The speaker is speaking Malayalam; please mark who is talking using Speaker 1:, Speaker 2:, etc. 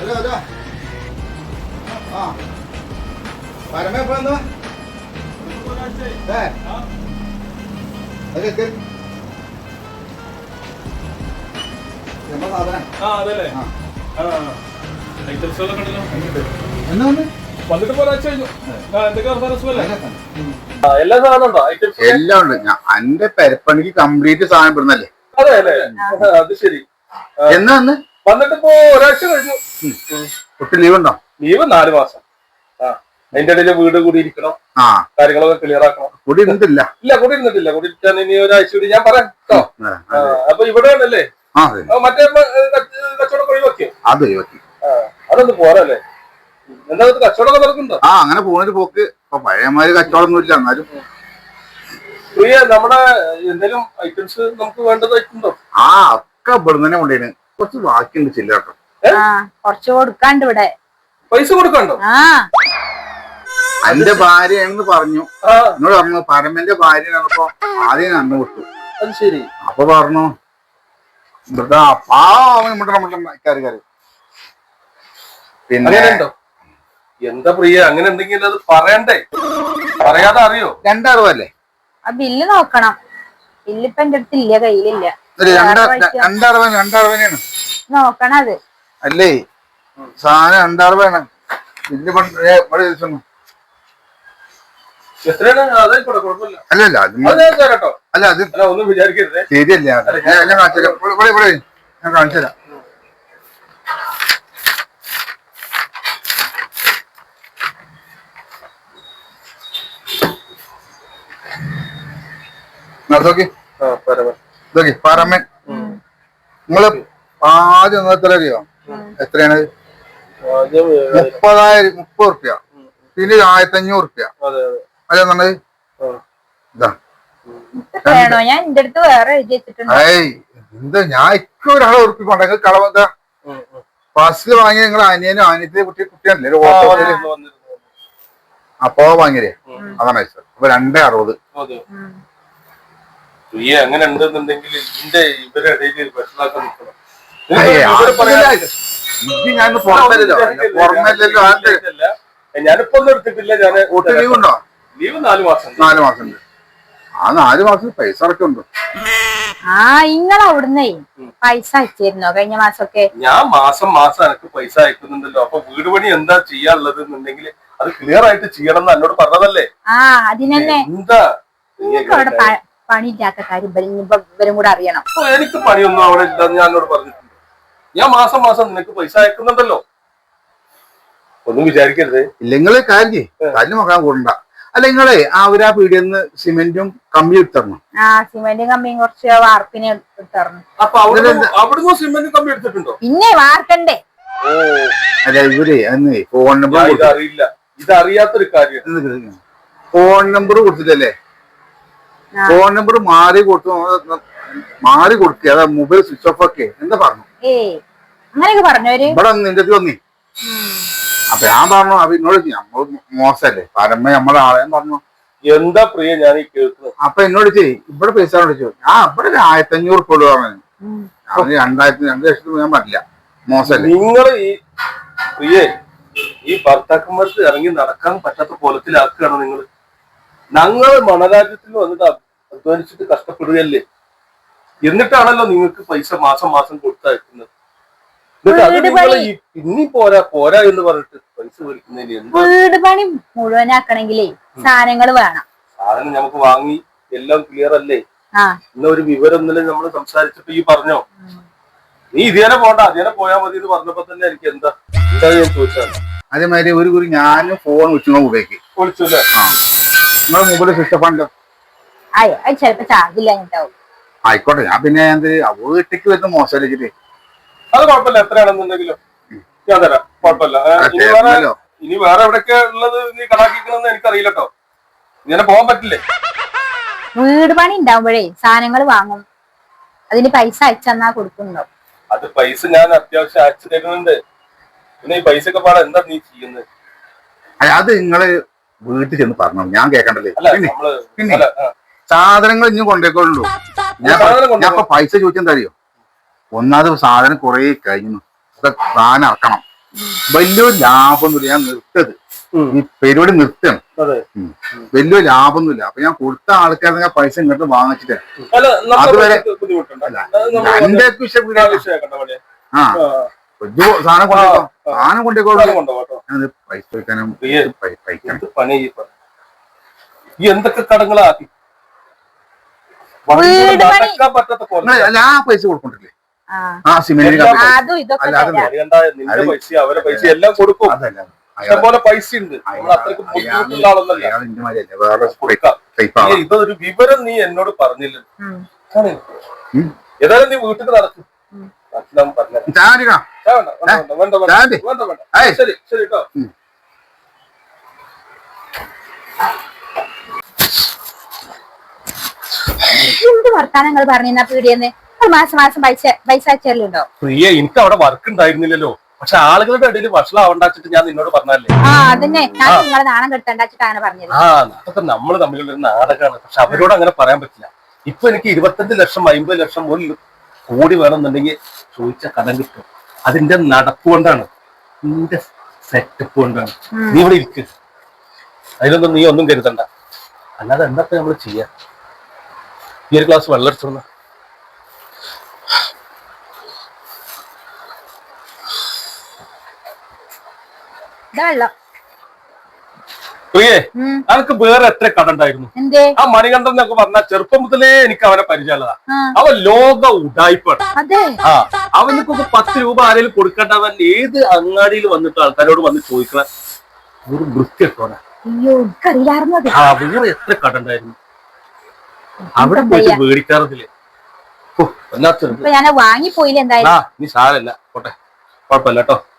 Speaker 1: എല്ലാം ഉണ്ട്. എന്റെ പെരപ്പണിക്ക് കംപ്ലീറ്റ് സാധനം ഇടുന്നല്ലേ.
Speaker 2: അതെ അല്ലേ, അത് ശരി.
Speaker 1: എന്നാ
Speaker 2: വന്നിട്ട് ഇപ്പോ ഒരാഴ്ച കഴിഞ്ഞു.
Speaker 1: ഒട്ടും ലീവ് ഉണ്ടോ?
Speaker 2: ലീവ് 4 മാസം. അതിന്റെ ഇടയിൽ വീട് കൂടി ഇരിക്കണം, കാര്യങ്ങളൊക്കെ ക്ലിയർ ആക്കണം.
Speaker 1: കൂടി ഇരുന്നിട്ടില്ല.
Speaker 2: ഇല്ല, കൂടി ഇരുന്നിട്ടില്ല. കൂടി ഇരിക്കാൻ ഇനി ഒരാഴ്ച കൂടി ഞാൻ പറയാം കേട്ടോ. അപ്പൊ ഇവിടെ ആണല്ലേ മറ്റേ കച്ചവടം ഒഴിവാക്കിയോ?
Speaker 1: അത് ഒഴിവാക്കി.
Speaker 2: അതൊന്നും പോരല്ലേ? എന്താ കച്ചവടമൊക്കെ നടക്കുന്നുണ്ടോ?
Speaker 1: അങ്ങനെ പോണൊരു പോക്ക്. ഇപ്പൊ പഴയമാര് കച്ചവടം ഒന്നും ഇല്ല. എന്നാലും
Speaker 2: പ്രിയ, നമ്മുടെ എന്തെങ്കിലും ഐറ്റംസ് നമുക്ക് വേണ്ടതായിട്ടുണ്ടോ?
Speaker 1: ഒക്കെ ഇവിടെ തന്നെ കൊണ്ടുപോയി. കുറച്ച് ബാക്കിയുണ്ട് ചില്ലട്ടോ.
Speaker 3: കുറച്ച് കൊടുക്കാണ്ട് ഇവിടെ.
Speaker 2: പൈസ കൊടുക്കണ്ടോ?
Speaker 1: എന്റെ ഭാര്യയാണെന്ന് പറഞ്ഞു. എന്നോട് പറഞ്ഞു പരമന്റെ ഭാര്യയാണപ്പോ ആദ്യം അന്ന് വിട്ടു.
Speaker 2: അത് ശരി.
Speaker 1: അപ്പൊ പറഞ്ഞു പിന്നെ
Speaker 2: എന്താ പ്രിയ, അങ്ങനെ ഉണ്ടെങ്കിൽ അത് പറയണ്ടേ? പറയാതെ അറിയോ?
Speaker 1: 2,60
Speaker 3: ആ ബില്ല് നോക്കണം. ബില്ലിപ്പൊ എന്റെ അടുത്ത് ഇല്ല, കയ്യിലില്ല.
Speaker 1: 2,60
Speaker 3: നോക്കണം. അത്
Speaker 1: അല്ലേ സാധനം 2,60 ബില്ല് അല്ലല്ല. അല്ല അത്
Speaker 2: ഒന്നും വിചാരിക്കരുത്.
Speaker 1: ശരിയല്ല. ഞാൻ കാണിച്ചു തരാം. പരമൻ നിങ്ങള് ആദ്യം എത്രയോ എത്രയാണ്? 30 ഉറുപ്യ. പിന്നെ 1,500 ഉറുപ്യ. അതെ പറഞ്ഞത്.
Speaker 3: ഞാൻ എന്റെ അടുത്ത് വേറെ എഴുതി വെച്ചിട്ടുണ്ട്.
Speaker 1: എന്താ ഞാൻ ഇപ്പൊ ഒരാളെ ഉറപ്പിക്കൊണ്ട കളവെന്താ ബസ്സിൽ വാങ്ങിയ നിങ്ങളെ അനിയനും അനിയത്തിലെ കുട്ടിയല്ലേ ഒരു ഓട്ടോയില്. അപ്പോ വാങ്ങിയേ അതാണ് അയച്ചത്. അപ്പൊ 2,60.
Speaker 2: അങ്ങനെ ഉണ്ടെന്നുണ്ടെങ്കിൽ ഇതിന്റെ ഇവരെ ഇടയിൽ പ്രശ്നമാക്കാൻ നിൽക്കണം. ഞാനിപ്പോ ഒന്നും എടുത്തിട്ടില്ല.
Speaker 1: ലീവ് ഉണ്ടോ?
Speaker 2: ലീവ് 4 മാസം.
Speaker 1: 4 മാസം ഉണ്ട്. ആ 4 മാസം പൈസ അടക്കമുണ്ടോ?
Speaker 3: ഇങ്ങളെ അവിടുന്നേ പൈസ അയച്ചിരുന്നോ കഴിഞ്ഞ മാസമൊക്കെ?
Speaker 2: ഞാൻ മാസം മാസം എനിക്ക് പൈസ അയക്കുന്നുണ്ടല്ലോ. അപ്പൊ വീട് പണി എന്താ ചെയ്യാനുള്ളത് എന്നുണ്ടെങ്കിൽ അത് ക്ലിയർ ആയിട്ട് ചെയ്യണം എന്ന് എന്നോട് പറഞ്ഞതല്ലേ.
Speaker 3: അതിനെന്നെ
Speaker 2: എന്താ
Speaker 3: അവിടെ പണിയില്ലാത്ത കാര്യം ഇവരും കൂടെ അറിയണം.
Speaker 2: എനിക്ക് പണിയൊന്നും അവിടെ ഇല്ലെന്ന് ഞാൻ എന്നോട് പറഞ്ഞിട്ടുണ്ട്. ഞാൻ മാസം മാസം നിനക്ക് പൈസ അയക്കുന്നുണ്ടല്ലോ. ഒന്നും വിചാരിക്കരുത്.
Speaker 1: ഇല്ലെങ്കില് കാര്യം കല്ല് നോക്കാൻ കൂടണ്ട. അല്ല നിങ്ങളെ അവരാ പീടിയെന്ന് സിമെന്റും കമ്പിയും ഇട്ടരണം.
Speaker 3: സിമെന്റും കമ്പിയും കുറച്ച് വാർപ്പിനെ ഇട്ടരണം.
Speaker 2: അപ്പൊ അവിടുന്ന് സിമെന്റും കമ്പി എടുത്തിട്ടുണ്ടോ?
Speaker 3: പിന്നെ വാർക്കണ്ടേ?
Speaker 1: അല്ല ഇവര് അന്ന് ഫോൺ നമ്പർ
Speaker 2: ഇതറിയില്ല. ഇതറിയാത്തൊരു കാര്യം.
Speaker 1: ഫോൺ നമ്പർ കൊടുത്തിട്ടല്ലേ? ഫോൺ നമ്പർ മാറി കൊടുക്കുക. അതാ മൊബൈൽ സ്വിച്ച് ഓഫ് ഒക്കെ എന്താ പറഞ്ഞു?
Speaker 3: അങ്ങനെയൊക്കെ പറഞ്ഞവര്
Speaker 1: ഇവിടെ നിന്റെ വന്നി. അപ്പൊ ഞാൻ പറഞ്ഞു അപ്പൊ എന്നോട് നമ്മൾ മോശല്ലേ പരമ നമ്മളെ ആളെ പറഞ്ഞു.
Speaker 2: എന്താ പ്രിയ ഞാൻ ഈ കേൾക്കുന്നത്?
Speaker 1: അപ്പൊ എന്നോട് ഇവിടെ പൈസ വിളിച്ചു. ഇവിടെ 1,500 ഉറുപ്പ പറഞ്ഞു. 2,00,000 ഞാൻ പറ്റില്ല. മോശല്ലേ
Speaker 2: നിങ്ങൾ ഈ പ്രിയേ ഈ ഭർത്താക്കന്മാർക്ക് ഇറങ്ങി നടക്കാൻ പറ്റാത്ത കോലത്തിലാക്കുകയാണ് നിങ്ങൾ. ഞങ്ങള് മണരാജ്യത്തിൽ വന്നിട്ട് അധ്വാനിച്ചിട്ട് കഷ്ടപ്പെടുകയല്ലേ. എന്നിട്ടാണല്ലോ നിങ്ങൾക്ക് പൈസ മാസം മാസം കൊടുത്തയക്കുന്നത്. ഇനി പോരാ പോരാ എന്ന് പറഞ്ഞിട്ട് പൈസ മേടിക്കുന്നതിന്
Speaker 3: വീട് പണി മുഴുവനാക്കണെങ്കിലേ സാധനങ്ങൾ വേണം.
Speaker 2: സാധനം നമുക്ക് വാങ്ങി എല്ലാം ക്ലിയർ അല്ലേ? ഇന്ന ഒരു വിവരം ഇന്നലെ നമ്മൾ സംസാരിച്ചപ്പോ ഈ പറഞ്ഞോ നീ ഇതേനെ പോണ്ട അതേനെ പോയാൽ മതി എന്ന് പറഞ്ഞപ്പോ തന്നെ എനിക്ക് എന്താ ഞാൻ ചോദിച്ചാണ്.
Speaker 1: അതേമാതിരി ഒരു കുറി ഞാനും ഫോൺ വിളിച്ചു ഉപയോഗിക്കും.
Speaker 2: വിളിച്ചല്ലേ?
Speaker 1: നിങ്ങളെ മൊബൈൽ സ്വിച്ച് ഓഫ് ആണല്ലോ.
Speaker 3: ചിലപ്പോ ചാർജില്ല.
Speaker 1: ആയിക്കോട്ടെ. ഞാൻ പിന്നെ വീട്ടിലേക്ക് വരുന്ന മോശമല്ലേ.
Speaker 2: അത് കുഴപ്പമില്ല. എത്രയാണെന്നുണ്ടെങ്കിലും ഞാൻ തരാം. കുഴപ്പമില്ല. ഇനി വേറെ എവിടെയൊക്കെ ഉള്ളത് നീ കണാക്കിക്കണമെന്ന് എനിക്കറിയില്ല കേട്ടോ. ഇങ്ങനെ പോകാൻ പറ്റില്ലേ?
Speaker 3: വീട് പണി ഉണ്ടാവുമ്പോഴേ സാധനങ്ങൾ വാങ്ങും. അതിന് പൈസ അയച്ചെന്നാ കൊടുക്കുന്നുണ്ടോ?
Speaker 2: അത് പൈസ ഞാൻ അത്യാവശ്യം അയച്ചു തരുന്നുണ്ട്. പിന്നെ ഈ പൈസ ഒക്കെ പാടാ എന്താ നീ ചെയ്യുന്നത്?
Speaker 1: അത് നിങ്ങള് വീട്ടിൽ ചെന്ന് പറഞ്ഞു ഞാൻ കേക്കണ്ടല്ലേ. പിന്നെ സാധനങ്ങൾ ഇനി കൊണ്ടേക്കൊള്ളൂ. ഞാൻ ഇപ്പൊ പൈസ ചോദിച്ചെന്താ അറിയോ? ഒന്നാമത് സാധനം കുറെ കഴിഞ്ഞു. സാധനം ഇറക്കണം. വലിയൊരു ലാഭമൊന്നുമില്ല. ഞാൻ നിർത്തത് ഈ പരിപാടി നിർത്തണം.
Speaker 2: അതെ.
Speaker 1: വലിയ ലാഭമൊന്നുമില്ല. അപ്പൊ ഞാൻ കൊടുത്ത ആൾക്കാരെ പൈസ ഇങ്ങോട്ട് വാങ്ങിച്ചിട്ട്
Speaker 2: അല്ല
Speaker 1: അതുവരെ
Speaker 2: ബുദ്ധിമുട്ടുണ്ടല്ല
Speaker 1: എന്റെ ആ വലിയ സാധനം കൊണ്ടോ സാധനം കൊണ്ടേക്കോട്ടോ ഞാൻ പൈസ വയ്ക്കാനും
Speaker 2: പണി ഈ എന്തൊക്കെ കടങ്ങളാക്കി
Speaker 3: വീട് പണി
Speaker 2: നടക്കാൻ പറ്റാത്ത പോലെ
Speaker 1: എല്ലാ പൈസ കൊടുക്കണ്ടില്ലേ?
Speaker 3: ആ
Speaker 1: ആ സിമെന്റിന്
Speaker 3: അതും ഇതൊക്കെ
Speaker 1: അല്ലാതെ
Speaker 3: തരാം.
Speaker 2: അറിയണ്ട നിന്റെ പൈസ അവരെ പൈസ എല്ലാം കൊടുക്കും.
Speaker 1: അതല്ല
Speaker 2: ഇഷ്ടംപോലെ പൈസ ഉണ്ട്. നമ്മൾ അത്രയ്ക്ക് ബുദ്ധിമുട്ടുള്ള ആളൊന്നല്ല.
Speaker 1: അയാൾ ഇന്റെ മാതിരിയല്ല, വേറെ
Speaker 2: കൊടുക്കാം.
Speaker 1: ടൈപ്പ് ആളാണ്.
Speaker 2: ഇതൊരു വിവരം നീ എന്നോട് പറഞ്ഞില്ല.
Speaker 3: ഉം.
Speaker 2: ഏതായാലും നീ വീട്ടിൽ നടക്കും. പറഞ്ഞു
Speaker 1: ചാരിക്കാ
Speaker 2: വേണ്ട വേണ്ട വേണ്ട വേണ്ട വേണ്ട വേണ്ട
Speaker 1: ഏയ്.
Speaker 2: ശരി ശരി കേട്ടോ.
Speaker 3: എന്ത് വർത്താനങ്ങൾ പറഞ്ഞ പീടിയെന്ന് മാസം മാസം പൈസ അയച്ചല്ലോ.
Speaker 2: പ്രിയ എനിക്ക് അവിടെ വർക്ക് ഉണ്ടായിരുന്നില്ലല്ലോ. പക്ഷെ ആളുകളുടെ ഇടയിൽ വഷളാവണ്ടാച്ചിട്ട് ഞാൻ നിന്നോട് പറഞ്ഞല്ലേ.
Speaker 3: ആ അതന്നെ ഞാൻ നിങ്ങളെ നാണം കെടുത്തണ്ടാച്ചിട്ട് അങ്ങനെ പറഞ്ഞത്.
Speaker 2: ആ അതൊക്കെ നമ്മൾ തമ്മിലുള്ള ഒരു നാടകമാണ്. പക്ഷെ അവരോട് അങ്ങനെ പറയാൻ പറ്റില്ല. ഇപ്പൊ എനിക്ക് 25 ലക്ഷം 50 ലക്ഷം ഒരു കോടി വേണമെന്നുണ്ടെങ്കിൽ ചോദിച്ച കടം കിട്ടും. അതിന്റെ നടപ്പ് കൊണ്ടാണ്, നിന്റെ സെറ്റപ്പ് കൊണ്ടാണ്. നീ ഇവിടെ ഇരിക്ക്. അതിലൊന്നും നീ ഒന്നും കരുതണ്ട. അല്ലാതെ എന്താ നമ്മൾ ചെയ്യാ? ഈ ഒരു ഗ്ലാസ് വെള്ളം എടുത്തോന്ന.
Speaker 3: വെള്ളം
Speaker 2: പ്രിയേ, അനക്ക് വേറെ എത്ര കട ഉണ്ടായിരുന്നു?
Speaker 3: എന്തേ?
Speaker 2: ആ മണികണ്ഠൻ എന്നൊക്കെ പറഞ്ഞ ചെറുപ്പം മുതലേ എനിക്ക് അവനെ പരിചയമുള്ളതാ.
Speaker 3: ആ.
Speaker 2: അവൻ ലോക ഉടായിപ്പാണ്.
Speaker 3: അതെ.
Speaker 2: ആ അവനക്കൊക്കെ 10 രൂപ ആരെങ്കിലും കൊടുക്കേണ്ടവൻ ഏത് അങ്ങാടിയിൽ വന്നിട്ട് ആൾക്കാരോട് വന്ന് ചോദിക്കണ ഒരു വൃത്തിയൊക്കെ.
Speaker 3: അയ്യോ എനിക്കറിയാറുന്നു അത്.
Speaker 2: ആ വേറെ എത്ര കട ഉണ്ടായിരുന്നു? അവിടെ പോയിട്ട് മേടിക്കാറതില്ലേ? ഓ എന്നാ
Speaker 3: ഇപ്പൊ ഞാൻ വാങ്ങിപ്പോയില്ല എന്തായാലും.
Speaker 2: നീ സാരല്ല പോട്ടെ, കുഴപ്പമില്ല കേട്ടോ.